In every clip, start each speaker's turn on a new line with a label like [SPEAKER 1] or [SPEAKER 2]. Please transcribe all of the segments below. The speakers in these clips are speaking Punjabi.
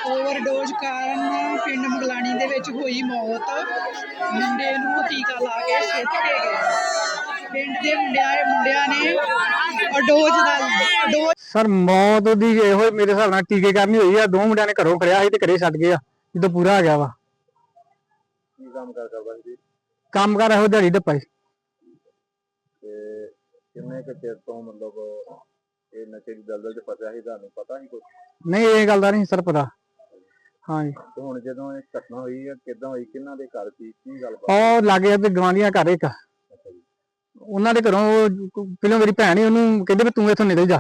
[SPEAKER 1] ਓਵਰਡੋਜ਼ ਕਾਰਨ ਪਿੰਡ ਮੁਗਲਾਣੀ ਦੇ ਵਿੱਚ ਹੋਈ ਮੌਤ। ਮੁੰਡੇ ਨੂੰ ਟੀਕਾ ਲਾ ਕੇ ਸਿੱਟ ਕੇ ਗਏ। ਪਿੰਡ ਦੇ ਮੁੰਡਿਆਂ ਨੇ ਅਡੋਜ਼
[SPEAKER 2] ਸਰ ਮੌਤ ਦੀ ਇਹੋ ਮੇਰੇ ਹਿਸਾਬ ਨਾਲ ਟੀਕੇ ਕਰਨੀ ਹੋਈ ਆ। ਦੋ ਮੁੰਡਿਆਂ ਨੇ ਘਰੋਂ ਖੜਿਆ ਸੀ ਤੇ ਘਰੇ ਛੱਡ ਗਏ ਆ ਜਦੋਂ ਪੂਰਾ ਆ ਗਿਆ ਵਾ।
[SPEAKER 3] ਕੀ ਕੰਮ ਕਰਦਾ ਜੀ?
[SPEAKER 2] ਕੰਮ ਕਰ ਇਹੋ ਦਿਹਾੜੀ ਡੱਪਾ ਸੀ।
[SPEAKER 3] ਤੇ ਕਿੰਨੇ ਕੁ ਚਿਰ ਤੋਂ ਮਤਲਬ ਇਹ ਨਸ਼ੇ ਦੀ ਦਲਦਲ 'ਚ ਫਸਿਆ ਸੀ, ਤੁਹਾਨੂੰ ਪਤਾ ਸੀ ਕੁਛ?
[SPEAKER 2] ਨਹੀਂ ਇਹ ਗੱਲ ਦਾ ਨਹੀਂ ਸਰ ਪਤਾ। ਹਾਂਜੀ
[SPEAKER 3] ਤੇ ਹੁਣ ਜਦੋਂ ਇਹ ਘਟਨਾ ਹੋਈ ਹੈ ਕਿੱਦਾਂ ਹੋਈ, ਕਿਹਨਾਂ ਦੇ ਘਰ ਸੀ, ਕੀ ਗੱਲ
[SPEAKER 2] ਉਹ ਲਾਗੇ ਤੇ ਗਵਾਂਢੀਆਂ ਘਰ ਇੱਕ
[SPEAKER 3] ਅੱਛਾ ਜੀ।
[SPEAKER 2] ਉਹਨਾਂ ਦੇ ਘਰੋਂ ਪਹਿਲਾਂ ਮੇਰੀ ਭੈਣ ਹੀ ਉਹਨੂੰ ਕਹਿੰਦੇ ਵੀ ਤੂੰ ਇੱਥੋਂ ਨਿਕਲ ਜਾ।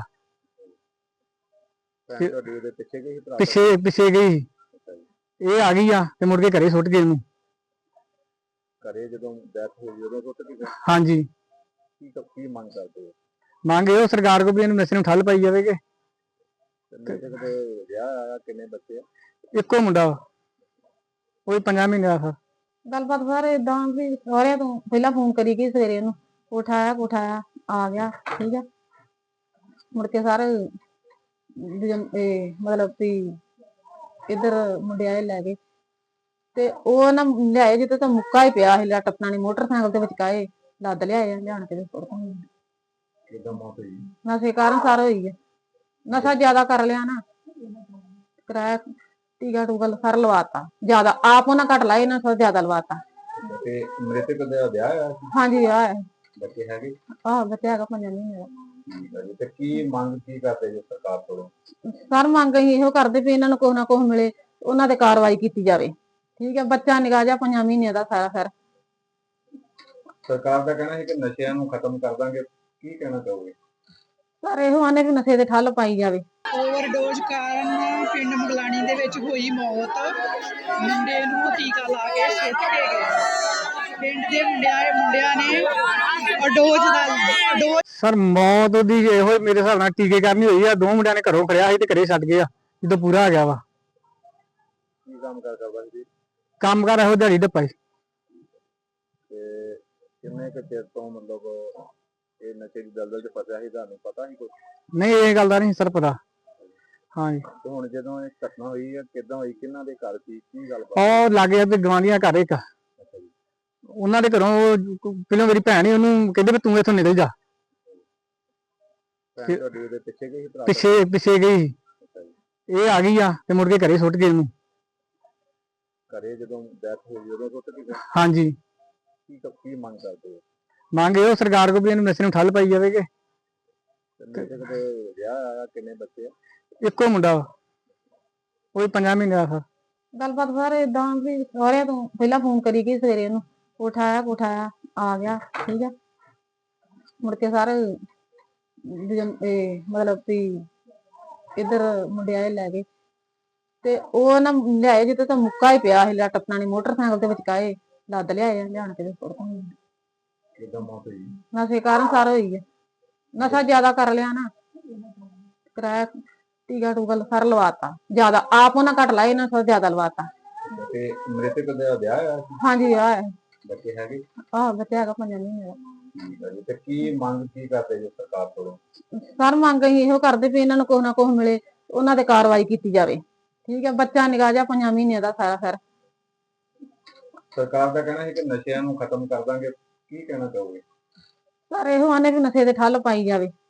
[SPEAKER 3] ਭੈਣ ਤੁਹਾਡੀ ਉਹਦੇ ਪਿੱਛੇ ਗਈ ਸੀ ਭਰਾ
[SPEAKER 2] ਪਿੱਛੇ ਗਈ।
[SPEAKER 3] ਅੱਛਾ ਜੀ।
[SPEAKER 2] ਇਹ ਆ ਗਈ ਆ ਤੇ ਮੁੜ ਕੇ ਘਰੇ ਸੁੱਟ ਗਏ ਉਹਨੂੰ।
[SPEAKER 3] ਘਰੇ ਜਦੋਂ ਡੈਥ ਹੋਈ ਉਦੋਂ ਸੁੱਟ ਕੇ ਗਏ?
[SPEAKER 2] ਹਾਂਜੀ।
[SPEAKER 3] ਕੀ ਮੰਗ ਕਰਦੇ ਹੋ?
[SPEAKER 2] ਮੰਗ ਇਹੋ ਸਰਕਾਰ ਕੋਲ ਵੀ ਇਹਨੂੰ ਨਸ਼ੇ ਨੂੰ ਠੱਲ ਪਾਈ ਜਾਵੇ ਕਿ
[SPEAKER 3] ਨਸ਼ੇ ਦੇ ਵਿਆਹ ਆਇਆ, ਕਿੰਨੇ ਬੱਚੇ ਆ?
[SPEAKER 2] ਇੱਕੋ ਮੁੰਡਾ ਵਾ, ਉਹ ਵੀ 5 ਮਹੀਨੇ ਦਾ।
[SPEAKER 4] ਗੱਲਬਾਤ ਸਰ ਇਦਾਂ ਵੀ ਸਾਰਿਆਂ ਤੋਂ ਪਹਿਲਾਂ ਫੋਨ ਕਰੀ ਗਈ ਸਵੇਰੇ ਉਹਨੂੰ, ਉਠਾਇਆ ਆ ਗਿਆ ਠੀਕ ਆ। ਮੁੜ ਕੇ ਸਾਰੇ ਮਤਲਬ ਵੀ ਇੱਧਰ ਮੁੰਡਿਆਂ ਲੈ ਗਏ ਤੇ ਉਹ ਨਾ ਲਿਆਏ ਜਿੱਥੇ ਤਾਂ ਮੁੱਕਾ ਹੀ ਪਿਆ ਸੀ, ਲੱਟ ਆਪਣਾ ਮੋਟਰਸਾਈਕਲ ਦੇ ਵਿਚਕਾਏ ਲੱਦ ਲਿਆਏ ਲਿਆਣ ਕੇ
[SPEAKER 3] ਕਿੱਦਾਂ ਮੌਤ ਹੋਈ?
[SPEAKER 4] ਨਸ਼ੇ ਕਾਰਨ ਸਾਰਾ ਹੋਈ ਹੈ। ਨਸ਼ਾ ਜ਼ਿਆਦਾ ਕਰ ਲਿਆ ਨਾ, ਕਿਰਾਇਆ ਟੀਕਾ ਟੂਕਾ ਸਾਰਾ ਲਵਾਤਾ ਜ਼ਿਆਦਾ, ਆਪ ਉਹਨਾਂ ਘੱਟ ਲਾਏ ਨਾ ਜ਼ਿਆਦਾ ਲਵਾਤਾ।
[SPEAKER 3] ਤੇ ਮ੍ਰਿਤਕ ਦਾ ਵਿਆਹ ਆਇਆ ਸੀ?
[SPEAKER 4] ਹਾਂਜੀ ਵਿਆਹ ਹੈ।
[SPEAKER 3] ਬੱਚੇ ਹੈਗੇ?
[SPEAKER 4] ਬੱਚਾ ਹੈਗਾ 5 ਮਹੀਨੇ ਦਾ।
[SPEAKER 3] ਤੇ ਕੀ ਮੰਗ ਕੀ ਕਰਦੇ ਜੀ ਸਰਕਾਰ ਕੋਲੋਂ?
[SPEAKER 4] ਸਰ ਮੰਗ ਅਸੀਂ ਇਹੋ ਕਰਦੇ ਵੀ ਇਹਨਾਂ ਨੂੰ ਕੁਛ ਨਾ ਕੁਛ ਮਿਲੇ, ਉਹਨਾਂ ਤੇ ਕਾਰਵਾਈ ਕੀਤੀ ਜਾਵੇ ਠੀਕ ਹੈ। ਬੱਚਾ ਨਿਕਾ ਜਾ 5 ਮਹੀਨੇ ਦਾ ਸਾਰਾ। ਫਿਰ
[SPEAKER 3] ਸਰਕਾਰ ਦਾ ਕਹਿਣਾ ਹੈ ਕਿ ਨਸ਼ਿਆਂ ਨੂੰ ਖਤਮ ਕਰ ਦਾਂਗੇ, ਕੀ ਕਹਿਣਾ ਚਾਹੋਗੇ?
[SPEAKER 4] ਸਰ ਇਹੋ ਆਨੇ ਵੀ ਨਸ਼ੇ ਤੇ ਠੱਲ ਪਾਈ ਜਾਵੇ।
[SPEAKER 1] ਓਵਰਡੋਜ਼ ਕਾਰਨ ਪਿੰਡ ਮੁਗਲਾਣੀ ਦੇ ਵਿੱਚ ਹੋਈ ਮੌਤ। ਮੁੰਡੇ ਨੂੰ ਟੀਕਾ ਲਾ ਕੇ ਸਿੱਟ ਕੇ ਗਏ। ਪਿੰਡ ਦੇ ਮੁੰਡਿਆਂ ਨੇ ਅਡੋਜ਼
[SPEAKER 2] ਸਰ ਮੌਤ ਦੀ ਇਹੋ ਮੇਰੇ ਹਿਸਾਬ ਨਾਲ ਟੀਕੇ ਕਰਨੀ ਹੋਈ ਆ। ਦੋ ਮੁੰਡਿਆਂ ਨੇ ਘਰੋਂ ਖੜਿਆ ਸੀ ਤੇ ਘਰੇ ਛੱਡ ਗਏ ਆ ਜਦੋਂ ਪੂਰਾ ਆ ਗਿਆ ਵਾ।
[SPEAKER 3] ਕੀ ਕੰਮ ਕਰਦਾ ਜੀ?
[SPEAKER 2] ਕੰਮ ਕਰ ਇਹੋ ਦਿਹਾੜੀ ਡੱਪਾ ਸੀ।
[SPEAKER 3] ਤੇ ਕਿੰਨੇ ਕੁ ਚਿਰ ਤੋਂ ਮਤਲਬ ਇਹ ਨਸ਼ੇ ਦੀ ਦਲਦਲ 'ਚ ਫਸਿਆ ਸੀ, ਤੁਹਾਨੂੰ ਪਤਾ ਸੀ ਕੁਛ?
[SPEAKER 2] ਨਹੀਂ ਇਹ ਗੱਲ ਦਾ ਨਹੀਂ ਸਰ ਪਤਾ। ਹਾਂਜੀ।
[SPEAKER 3] ਤੇ ਹੁਣ ਜਦੋਂ ਇਹ ਘਟਨਾ ਹੋਈ ਹੈ ਕਿੱਦਾਂ ਹੋਈ, ਕਿਹਨਾਂ ਦੇ ਘਰ ਸੀ, ਕੀ ਗੱਲ
[SPEAKER 2] ਉਹ ਲਾਗੇ ਤੇ ਗਵਾਂਢੀਆਂ ਘਰ ਇੱਕ
[SPEAKER 3] ਅੱਛਾ ਜੀ।
[SPEAKER 2] ਉਹਨਾਂ ਦੇ ਘਰੋਂ ਪਹਿਲਾਂ ਮੇਰੀ ਭੈਣ ਹੀ ਉਹਨੂੰ ਕਹਿੰਦੇ ਵੀ ਤੂੰ ਇੱਥੋਂ ਨਿਕਲ ਜਾ।
[SPEAKER 3] ਭੈਣ ਤੁਹਾਡੀ ਉਹਦੇ ਪਿੱਛੇ ਗਈ ਸੀ ਭਰਾ
[SPEAKER 2] ਪਿੱਛੇ ਗਈ।
[SPEAKER 3] ਅੱਛਾ ਜੀ।
[SPEAKER 2] ਇਹ ਆ ਗਈ ਆ ਤੇ ਮੁੜ ਕੇ ਘਰੇ ਸੁੱਟ ਗਏ ਉਹਨੂੰ।
[SPEAKER 3] ਘਰੇ ਜਦੋਂ ਡੈਥ ਹੋਈ ਉਦੋਂ ਸੁੱਟ ਕੇ ਗਏ?
[SPEAKER 2] ਹਾਂਜੀ।
[SPEAKER 3] ਕੀ ਮੰਗ ਕਰਦੇ ਹੋ?
[SPEAKER 2] ਮੰਗ ਇਹੋ ਸਰਕਾਰ ਕੋਲ ਵੀ ਇਹਨੂੰ ਨਸ਼ੇ ਨੂੰ ਠੱਲ ਪਾਈ ਜਾਵੇ ਕਿ
[SPEAKER 3] ਮ੍ਰਿਤਕ ਦੇ ਵਿਆਹ ਆਇਆ, ਕਿੰਨੇ ਬੱਚੇ ਆ?
[SPEAKER 2] ਇੱਕੋ ਮੁੰਡਾ ਵਾ, ਉਹ ਵੀ 5 ਮਹੀਨੇ ਦਾ।
[SPEAKER 4] ਗੱਲਬਾਤ ਸਰ ਇਦਾਂ ਵੀ ਸਾਰਿਆਂ ਤੋਂ ਪਹਿਲਾਂ ਫੋਨ ਕਰੀ ਗਈ ਸਵੇਰੇ ਉਹਨੂੰ, ਉਠਾਇਆ ਆ ਗਿਆ ਠੀਕ ਆ। ਮੁੜ ਕੇ ਸਾਰੇ ਮਤਲਬ ਵੀ ਇੱਧਰ ਮੁੰਡਿਆਂ ਲੈ ਗਏ ਤੇ ਉਹ ਨਾ ਲਿਆਏ ਜਿੱਥੇ ਤਾਂ ਮੁੱਕਾ ਹੀ ਪਿਆ ਸੀ, ਲੱਟ ਆਪਣਾ ਮੋਟਰਸਾਈਕਲ ਦੇ ਵਿਚਕਾਏ ਲੱਦ ਲਿਆਏ ਲਿਆਣ ਕੇ
[SPEAKER 3] ਕਿੱਦਾਂ ਮੌਤ ਹੋਈ?
[SPEAKER 4] ਨਸ਼ੇ ਕਾਰਨ ਸਾਰਾ ਹੋਈ ਹੈ। ਨਸ਼ਾ ਜ਼ਿਆਦਾ ਕਰ ਲਿਆ ਨਾ, ਕਿਰਾਇਆ ਟੀਕਾ ਟੂਕਾ ਸਾਰਾ ਲਵਾਤਾ ਜ਼ਿਆਦਾ, ਆਪ ਉਹਨਾਂ ਘੱਟ ਲਾਏ ਨਾ ਜ਼ਿਆਦਾ ਲਵਾਤਾ।
[SPEAKER 3] ਤੇ ਮ੍ਰਿਤਕ ਦਾ ਵਿਆਹ ਆਇਆ ਸੀ?
[SPEAKER 4] ਹਾਂਜੀ ਵਿਆਹ ਹੈ।
[SPEAKER 3] ਬੱਚੇ ਹੈਗੇ?
[SPEAKER 4] ਬੱਚਾ ਹੈਗਾ 5 ਮਹੀਨੇ ਦਾ।
[SPEAKER 3] ਤੇ ਕੀ ਮੰਗ ਕੀ ਕਰਦੇ ਜੀ ਸਰਕਾਰ ਕੋਲੋਂ?
[SPEAKER 4] ਸਰ ਮੰਗ ਅਸੀਂ ਇਹੋ ਕਰਦੇ ਵੀ ਇਹਨਾਂ ਨੂੰ ਕੁਛ ਨਾ ਕੁਛ ਮਿਲੇ, ਉਹਨਾਂ ਤੇ ਕਾਰਵਾਈ ਕੀਤੀ ਜਾਵੇ ਠੀਕ ਹੈ। ਬੱਚਾ ਨਿਕਾ ਜਾ 5 ਮਹੀਨੇ ਦਾ ਸਾਰਾ। ਫਿਰ
[SPEAKER 3] ਸਰਕਾਰ ਦਾ ਕਹਿਣਾ ਹੈ ਕਿ ਨਸ਼ਿਆਂ ਨੂੰ ਖਤਮ ਕਰ ਦਾਂਗੇ, ਕੀ ਕਹਿਣਾ ਚਾਹੋਗੇ?
[SPEAKER 4] ਸਰ ਇਹੋ ਆਨੇ ਵੀ ਨਸ਼ੇ ਤੇ ਠੱਲ ਪਾਈ ਜਾਵੇ।